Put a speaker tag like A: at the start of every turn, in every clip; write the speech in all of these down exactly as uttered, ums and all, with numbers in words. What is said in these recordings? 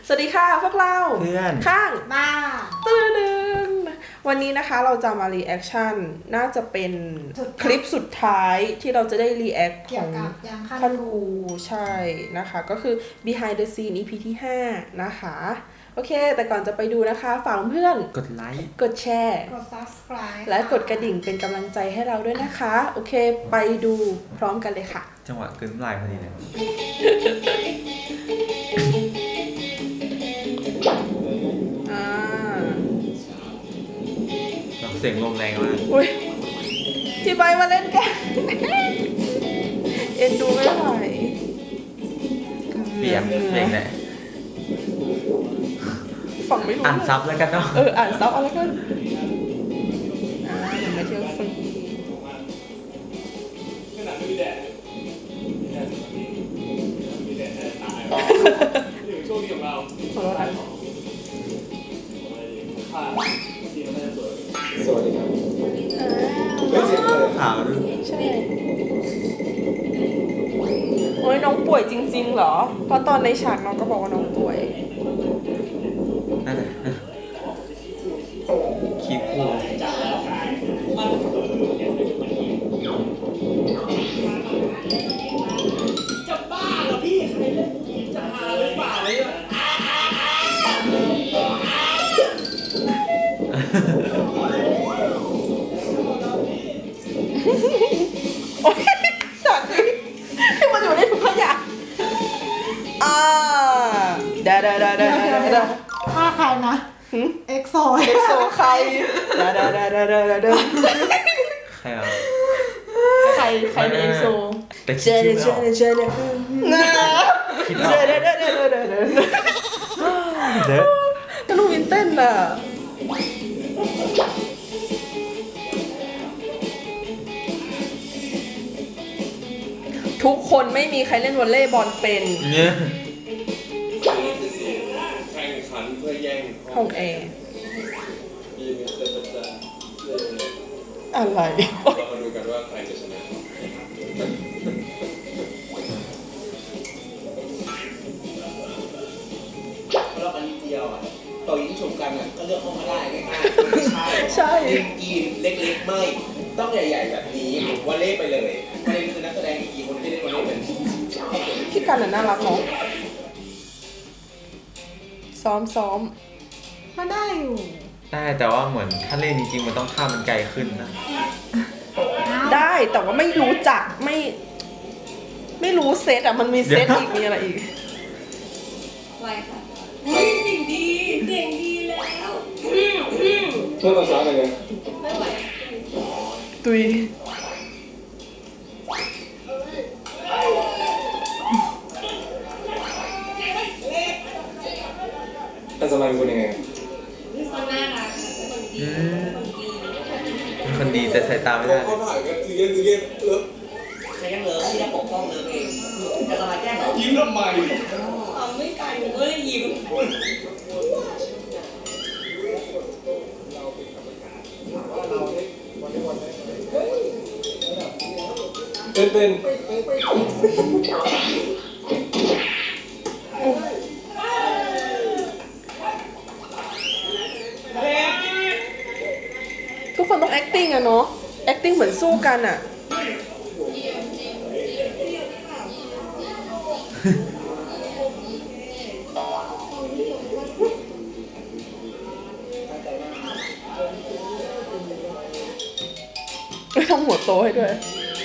A: สวัสดีค่ะพวกเรา
B: เพื่อน
A: ข้าง
C: บ้า
A: ตื่นนึงวันนี้นะคะเราจะมารีแอคชั่นน่าจะเป็นคลิปสุดท้ายที่เราจะได้รีแอคของคันคูใช่นะคะก็คือ behind the scene อี พี ที่ห้านะคะโอเคแต่ก่อนจะไปดูนะคะฝากเพื่อน
B: กดไลค์
A: กดแชร์
C: กด subscribe
A: และกดกระดิ่งเป็นกำลังใจให้เราด้วยนะคะโอเคไปดูพร้อมกันเลยค่ะ
B: จังหวะกลืนน้ำลายพอดีเลย
A: อ่า
B: เสียงลมแรงมาก
A: อุ้ยที่ใบมาเล่นกันเอ็นดูไม่ไหว
B: เปียกเปียกแหละ
A: ฝั่งไม่รู้
B: อ่านซับแล้วกันเนาะ
A: เอออ่านซับเอาแล้วกันอ่าเห็นไหมเที่ยวฟรีขนาดไม่มีแดดแดดมีแดดแดดตายอยู่ช่วงนี้ของเราขอโทษนะ
D: สวัสดีครับไม่เสียงเลย
B: ขาวด้วย
A: ใช่โอ้ยน้องป่วยจริงๆเหรอเพราะตอนในฉากน้องก็บอกว่าน้องป่วย
B: นั่นแหละคีบคู่
D: จะบ้าเหรอพี่ใครเล่นจะหาหรือเปล่าเลยอ่ะ
A: โอ้ยฉากนี้ที่มันอยู่ในถุงขยะอ่าเดาเดาเดาเดาเดา
C: ถ้าใครนะเอ็กโซ
A: เอ็กโซใครเดาเดาเดาเดาเดาเดา
B: ใครอ่ะ
A: ใครใครในเอ็กโซ
B: แต่คิดชื่อไม่ออก
A: เจเดคิดเจเดเดเดเดเดเดเดแต่ลูกวินเต้นน่ะทุกคนไม่มีใครเล่นวอลเลย์บอลเป็น
B: เนี่ย
D: แข่งขันเพื่อแย่ง
A: ห้องแอร์อะไร
D: เรามาดูกันว่าใครจะชนะเพราะเราเป็นเดียวอ่ะต่อยิงชมกันอ่ะก็เลือกเข้ามาได้ง่ายๆ
A: ใช่
D: ยิงกีนเล็กๆไม่ต้องใหญ่ๆแบบนี้วอลเลย์ไปเลยประเด็นคือนักแสดงกี่คนที่เล่นวอลเลย์เป็น
A: พี่กันน่ะน่ารักเนาะซ้อมซ้อม
C: ก็ได้อยู่
B: ได้แต่ว่าเหมือนถ้าเล่นจริงๆมันต้องข้ามมันไกลขึ้นนะ
A: ได้แต่ว่าไม่รู้จักไม่ไม่รู้เซตอ่ะมันมีเซตอีกมีอะไรอีก
E: ไวค่ะสิ่งดีเก่งดีแล้ว
D: เพื่อภาษาอะไรเนี่ย
E: ไม่ไหว
A: ตุย
D: แต่สมัยเป็นคนยังไง
E: เป็นคนน่ารักเป็นคนดี
B: เป็นคนดีแต่สายตาไม่ได้
D: เขาถ่ายกันซีเรียสซีเรียสเออ
F: ใครยังเหลือที่จะปกป้องเลิฟเองจะสบายแก้เหรอ
D: ยิ้มทำไม
E: ทำไม่กันก็เลยยิ้ม
D: เป็นเป็น
A: ทุกคนต้อง acting อะเนาะ acting เหมือนสู้กันอะไม่ทำหัวโตให้ด้วย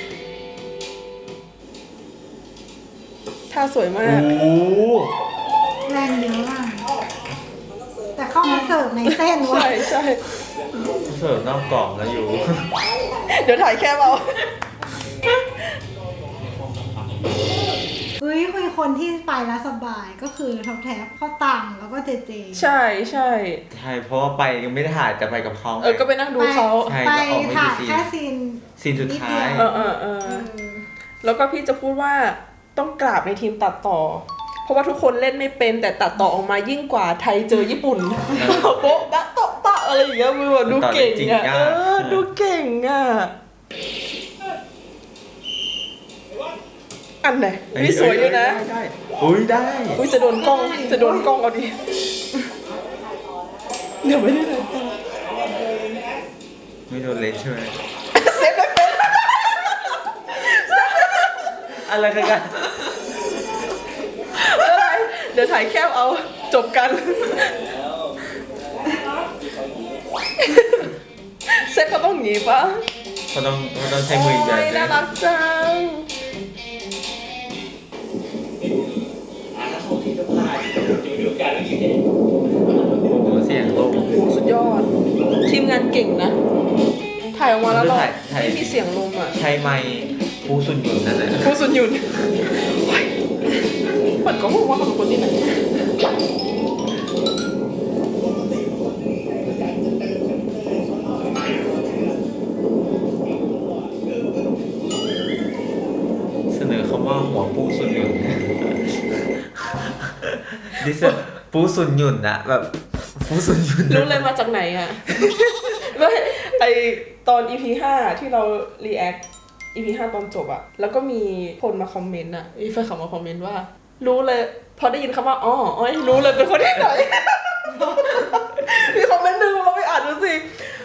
A: ท่าสวยมาก
C: แรงเยอะอ่ะแต่เข้ามาเสิร์ฟในเส้นวะ
A: ใช่ใช่
B: เสิร์ฟนอกกล่องแล้วอยู่
A: เดี๋ยวถ่ายแค่เรา
C: เฮ้ยคุยคนที่ไปแล้วสบายก็คือท็อปแท็บเข้าตังแล้วก็เจเจ
A: ใช่ใช่
B: ใช่เพราะว่าไปยังไม่ได้ถ่ายแต่ไปกับเขา
A: เออก็ไปนั่งดูเขา
C: ไปถ่ายแค่ซีน
B: ซีนสุดท้าย
A: เออเออเออแล้วก็พี่จะพูดว่าต้องกราบในทีมตัดต่อเพราะว่าทุกคนเล่นไม่เป็นแต่ตัดต่อออกมายิ่งกว่าไทยเจอญี่ปุ่นโป๊ะบะโตะตะอะไรอย่างเงี้ยมือดูเก่งอ่ะเออดูเก่งอ่ะอันไหนนี่สวยอยู่นะ
B: ได้ได้อุ้ยได้
A: อุ้ยจะโดนกล้องจะโดนกล้องเอาดิเดี๋ยวไม่ได้เลย
B: ไม่โดนเลนใช่ไหม
A: เซฟเลยเป็น
B: อะไรกันกัน
A: อะไรเดี๋ยวถ่ายแคบเอาจบกันเซฟเขาต้องหนีปะ
B: เขาต้องเขาต้องใช้มืออีกแบบ
A: โย
B: นึ
A: น่าง รักจัง
D: อ่ะถ้าเขาคิดว่าอยู่อยู่กันแล้วอยู่เนี่ย
B: โอ้โหเสียงลม
A: โอ้โหสุดยอด ทีมงานเก่งนะ ถ่ายออกมาแล้วเรา
B: ถ่ายถ่าย
A: ไม่มีเสียงลมอ่ะ
B: ใช้ไมค์ปูสุนหยุนนั่นแหละ
A: ผู้สุนยุนเฮ้ยมันก็บอกว่าเขาเป็นคนที่ไหน
B: เสนอคำว่าหัวปูสุนหยุนดิสปูสุนหยุนอะแบบปูสุนหยุน
A: รู้เลยมาจากไหนอ่ะ ไม่ไอตอน อี พี ห้าที่เรา react อี พี ห้าตอนจบอะแล้วก็มีคนมาคอมเมนต์อะมีแฟนคลับมาคอมเมนต์ว่า รู้เลยพอได้ยินคำว่าอ๋ออ๋อรู้เลยเป็นคนที่ไหน มีคอมเมนต์หนึงเราไปอ่านดูสิ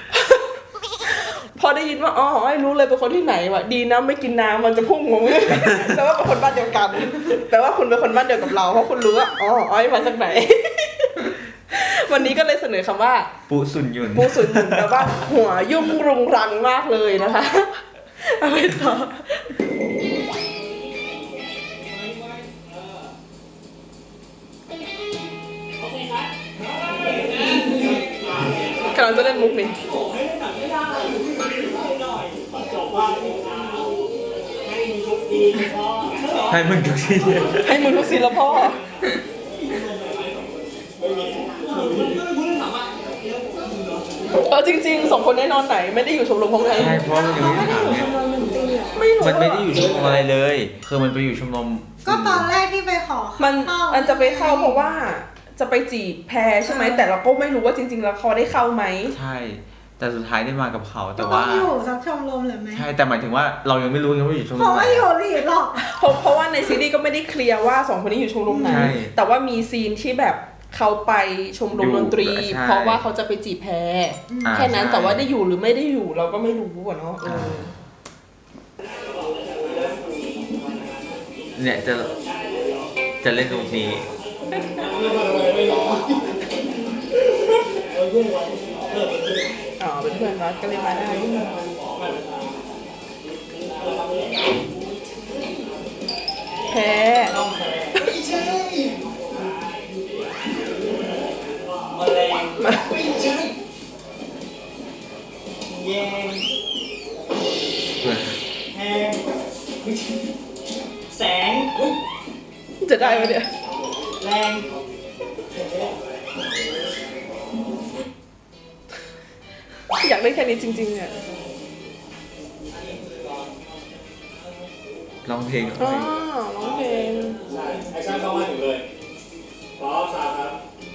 A: พอได้ยินว่าอ๋ออ๋อรู้เลยเป็นคนที่ไหนวะดีนะไม่กินน้ำมันจะพุ่งงง แปลว่าเป็นคนบ้านเดียวกันแปลว่าคุณเป็นคนบ้านเดียวกับเราเพราะคุณรู้ว่าอ๋ออ๋อมาจากไหน วันนี้ก็เลยเสนอคำว่า
B: ปูสุนหยุน
A: ปูสุนหยุนแปลว่าหัวยุ่งรุงรังมากเลยนะคะอะไรต่อากำลังจะเล่นมุกนี่
B: ให้มึงทุกที่
A: ให้มึงทุกซีแล้วพ่อเออจริงๆสองคนนี้นอนไหนไม่ได้อยู่ชมรมของใคร
B: ใช่เพราะมันยังไม่ได้ถามไง
A: ไม่รู้
B: มันไม่ได้อยู่ชมรมอะไรเลย คือมันไปอยู่ชมรม
C: ก็ตอนแรกที่ไปขอ
A: มัน
C: เข้า
A: มันจะไปเข้าเพราะว่าจะไปจีบแพรใช่ไหมแต่เราก็ไม่รู้ว่าจริงๆแล้วเขาได้เข้าไหม
B: ใช่ แต่สุดท้ายได้มากับเขาแต่
C: ต้อ
B: ว่า
C: งอยู่สักชมรมหรือไม่
B: ใช่แต่หมายถึงว่าเรายังไม่รู้ยังไม่อยู่ชมร
C: เพราะ
B: มไหน
C: ว่าอยู่หลีดหรอก
A: เพราะเพราะว่าในซีรีส์ก็ไม่ได้เคลียร์ว่าสองคนนี้อยู่ชมรมไหน
B: ใช่
A: แต่ว่ามีซีนที่แบบเขาไปชมรมดนตรี
B: อยู่ใช่
A: เพราะว่าเขาจะไปจีบแพร
B: อ่า
A: แค่นั้น
B: ใช่
A: แต่ว่าได้อยู่หรือไม่ได้อยู่เราก็ไม่รู้อะเนาะเออ
B: เนี่ยจะจะเล่นตรงนี้
A: อ๋อเป็นเพื่อนรักก็เลยมาได้แพร
F: แมลง
A: มา
F: แยงแหงแสง
A: จะได้ไหมเนี่ย
F: แรง
A: อยากได้แค่นี้จริงๆอ่ะ
B: ร้องเพลง
A: อ๋อร้องเพลง
D: ไอ้ช่างเข้ามาถึงเลยพร้อมสามครับ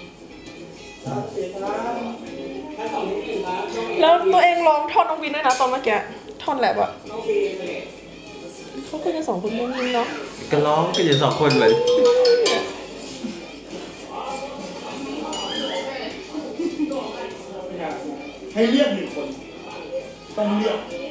A: แล้วตัวเองร้องท่อนน้องวินด้วยนะตอนเมื่อกี้ท่อนแรปอะเขาคุยกันสองคนมุ้งมิ้งเนาะ
B: ก็ร้องก็อยู่สองคนเลย
D: ให้เลือกหนึ่งคน ต้องเลือก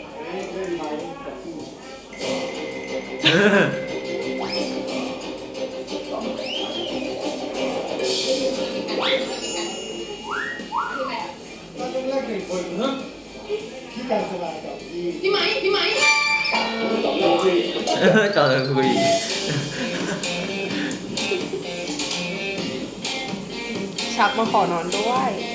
D: เราต้องเลือกหนึ่งคนนะพี่การสลายกับพี่
E: พี่ไหมพี่ไหม
D: สองเราสิ
B: ต่อเลยคุย
A: ชักมาขอนอนด้วย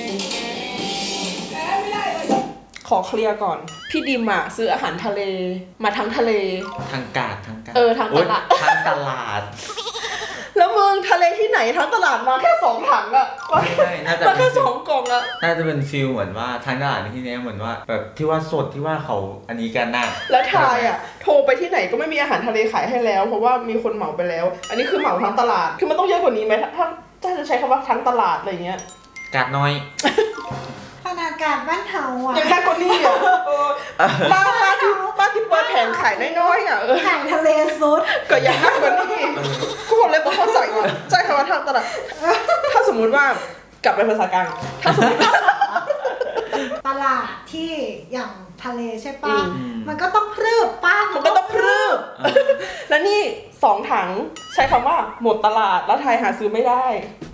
A: ขอเคลียร์ก่อน พี่ดิมอะซื้ออาหารทะเลมาทั้งทะเล
B: ทางกาดทางกาด
A: เออทางตลาด
B: โอ๊ยทางตลาด
A: แล้วมึงทะเลที่ไหนทั้งตลาดมาแค่สองถังอะ
B: ไม่ใช่น่าจะ
A: มาแค่สองกล่องอะ
B: น่าจะเป็นฟิลเหมือนว่าทางตลาดในที่นี้เหมือนว่าแบบที่ว่าสดที่ว่าเขาอันนี้กันน่ะ
A: แล้วทายอะโทรไปที่ไหนก็ไม่มีอาหารทะเลขายให้แล้ว เพราะว่ามีคนเหมาไปแล้ว อันนี้คือเหมาทั้งตลาดคือมันต้องเยอะกว่านี้ไหมถ้าถ้าถ้าจะใช้คำว่าทั้งตลาดอะไรเงี้ย
B: กาดน้อย
C: ขนาดากาศบ้านเฮาอ่ะ
A: ยังแค่คนนี้อ่ะเออบ้านบ้านที่บ้านที่เปิดแผงขายน้อยๆอ่ะเออ
C: ไก่ทะเลซุด
A: ก็ยังแค่คนนี้กูบอกเลยบอกเข้าใจว่าใจคำว่าทำตลาดถ้าสมมุติว่ากลับไปภาษากลางถ้าสมมติ
C: ตลาดที่อย่างทะเลใช่ปะ
A: อืม
C: มันก็ต้องพรืบป้า
A: มั
C: มัน
A: ก็ต้องพรึบแล้วนี่สองถังใช้คำว่าหมดตลาดแล้วไทยหาซื้อไม่ได้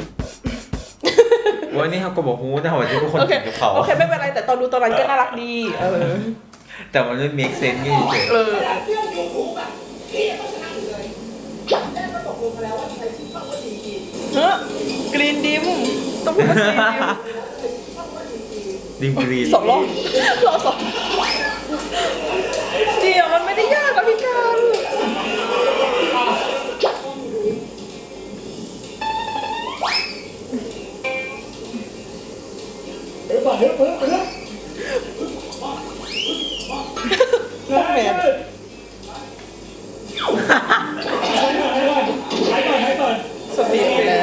B: วันนี้เขาก็บอกฮู้แต่ว่าที่ทุกคน
A: โอเค
B: กินกับเขา
A: โอเคไม่เป็นไรแต่ตอนดูตอนนั้นก็น่ารักดีเออ
B: แต่มันไม่ make sense ไงเฉย
A: เออ
F: เพื่อนอยู่ถูกอ่ะพี่ต้องชนะอยู่เลยแม่ก็ตกลงกันแล้วว่าใครชื่อช่องว่าดีดี
A: เฮ้ยกรีนดิมต้องพูดว่ากรีนดิม
B: ดิมกรีน
A: สองรอบรอบสองเดี๋ยวมันไม่ได้ยากนะพี่การ
D: เฮ้ยก่อนเฮ้ยเฮ้ยเฮ้ย
A: พวกแมน
D: ให้ก่อนให้ก่อน
A: สปีดไปแล้ว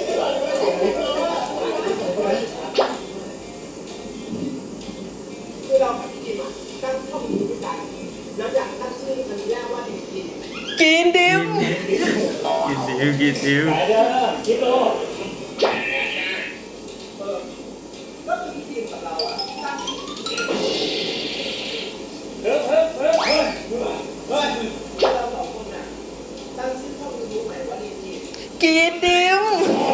F: คือเรากับพี่ดิมอ่ะตั้งช่องยูทูบกันแล้วอยากตั้งชื่อมันแรกว่าดีดี
A: กรีนดิม
B: กินดิวกินดิว
D: ไปเด้อคิดโล
F: ก็คือพี่ดิมกับเราอ่ะตั้งชื่อ
D: เฮ้ยเฮ้ยเฮ้ยเฮ้ยเฮ้ย
F: เราสองคนน่ะตั้งชื่อช่องยูทูบใหม่ว่าดีดี
A: กรีนดิม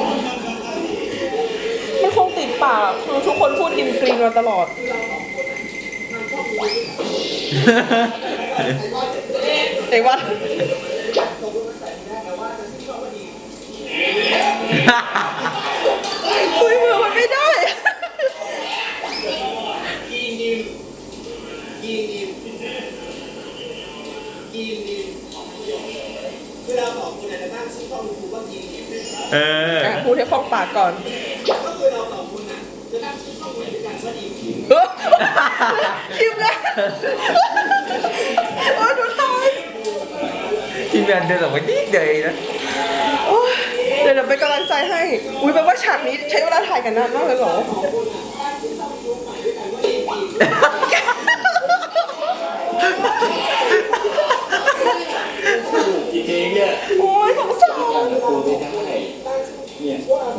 A: มันคงติดปากคือทุกคนพูดดิมกรีนมาตลอดเด็กว่าคุยมือมันไม่ได้
F: กีนดิมกีนดิมกีนดิมคือเราสองคนน่ะจะตั้งชื่อช่องยูทูบว่ากีนดิม
B: เออ
A: อ่ะพูดให้คล่องปากก่อน
F: ก็คือเราสองคนน่ะจะตั้งชื่อช่องด้วยกันว่าดีดี
A: เฮ้ยคิมแล้วโอ้ยดูทาย
B: ทีมงานเดินออกมานิดเดียวเองนะ
A: โอ้ยเดี๋ยวเดี๋ยวเป็นกำลังใจให้ อุ้ยแปลว่าฉากนี้ใช้เวลาถ่ายกันนานมากเลยเหรอ
D: กี่เพลงเนี่ย
A: โอ้ยสงสาร
D: กูไม่ได้เนี่ย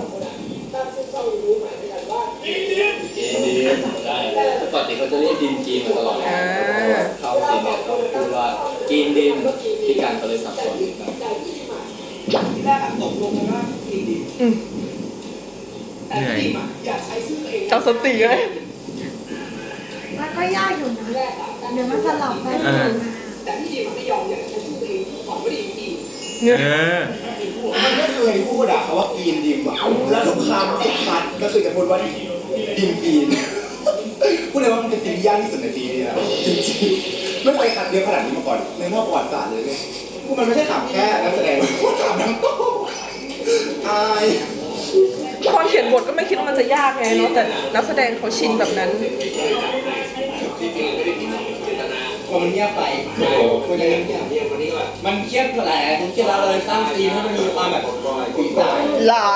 G: ดีได้ปกติเขาจะเรียกดิมจีนมาตลอด
A: อ่า
G: เขาจีนเนี่ยเขาพูดว่ากินดิมพี่การก็เลยสับสนครับ
F: ที่แรกอะตกลงกันว่ากีนดิม
A: อืม
F: แต่พี่ดิมอะอยากใช้ชื่อตัวเอง
A: เจ้าสติเลย
C: มันก็ยากอยู่นะ เดี๋ยวมันสลับไปสลับมา
F: แต่พี่ดิมอะไม่ยอมอยากใช้ชื่อตัวเองของว่าดีดี
B: เออ
D: มันไม่เคยพูดอะคำว่ากินดิมอะแล้วทุกคำทุกคัดก็คือจะพูดว่าดิมกินพูดเลยว่ามันเป็นสิ่งที่ยากที่สุดในปีนี้นะจริงๆไม่เคยคัดเยอะขนาดนี้มาก่อนในรอบประวัติศาสตร์เลยเนี่ยพูดมันไม่ใช่ถามแค่นักแสดงพูดถามทั้งโต๊ะอาย
A: ตอนเขียนบทก็ไม่คิดว่ามันจะยากไงเนาะ แต่นักแสดงเขาชินแบบนั้น
D: พอมันเงียบไปคุยกันเงียบเงียบวันนี้ว่ามันเครียดแหละมันเครียดแล้วเลยสร้างซีนให้มันมีความแบบขุ่นสาย
A: หลา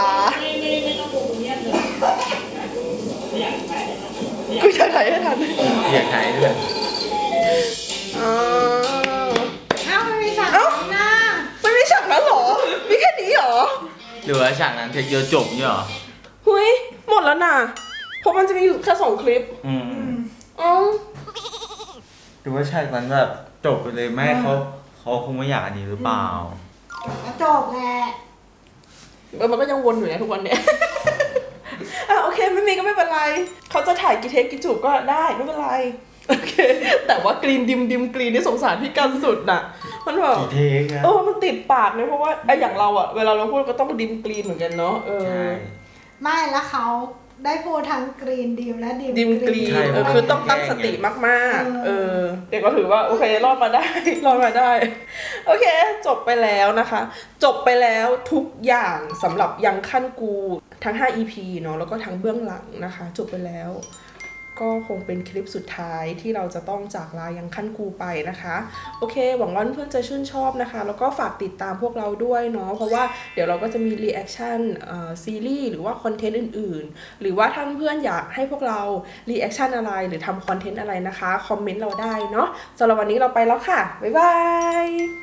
A: กูจะถ่ายให้ทัน
B: อยากถ่ายด้วย
A: อ้าว
C: เอ้ามันมีฉาก
A: เอ้า
C: หน้า
A: ไม่มีฉากนั้นเหรอ มีแค่นี้เหรอ
B: หรือว่าฉากนั้นเทคเดียวจบเนี่ยเหรอ
A: หุยหมดแล้วน่ะ เพราะมันจะมีอยู่แค่สองคลิป
B: อืม
A: อ๋อ
B: หรือว่าฉากนั้นแบบจบไปเลยแม่เขาเขาคงไม่อยากอันนี้หรือเปล่า
C: แล้วจบแหละ
A: เออมันก็ยังวนอยู่นะทุกวันเนี้ย อ่ะโอเคไม่มีก็ไม่เป็นไร เขาจะถ่ายกี่เทคกี่จูบก็ได้ไม่เป็นไร โอเค แต่ว่ากรีนดิมดิมกรีนนี่สงสารพี่กันสุดน่ะ มันแบบ
B: กี่เทคอะ
A: เออมันติดปากเลยเพราะว่าไอ้อย่างเราอะเวลาเราพูดก็ต้องดิมกรีนเหมือนกันเนาะ เออ
B: ใช่
C: ไม่แล้วเขาได้พูดทั้งกรีนดิมและดิม
A: ดิมกรีน
B: ใช่
A: เออคือต้องตั้งสติมากๆ
C: เอ
A: เอ
C: อ
A: อเด็กก็ถือว่าโอเครอดมาได้ รอดมาได้ โอเค จบไปแล้วนะคะ จบไปแล้วทุกอย่างสำหรับยังขั้นกูทั้งห้า อี พี เนาะแล้วก็ทั้งเบื้องหลังนะคะ จบไปแล้วก็คงเป็นคลิปสุดท้ายที่เราจะต้องจากลายังขั้นกูไปนะคะโอเคหวังว่าเพื่อนๆจะชื่นชอบนะคะแล้วก็ฝากติดตามพวกเราด้วยเนาะเพราะว่าเดี๋ยวเราก็จะมีรีแอคชั่นซีรีส์หรือว่าคอนเทนต์อื่นๆหรือว่าถ้าเพื่อนๆอยากให้พวกเรารีแอคชั่นอะไรหรือทำคอนเทนต์อะไรนะคะคอมเมนต์เราได้เนาะสำหรับวันนี้เราไปแล้วค่ะบ๊ายบาย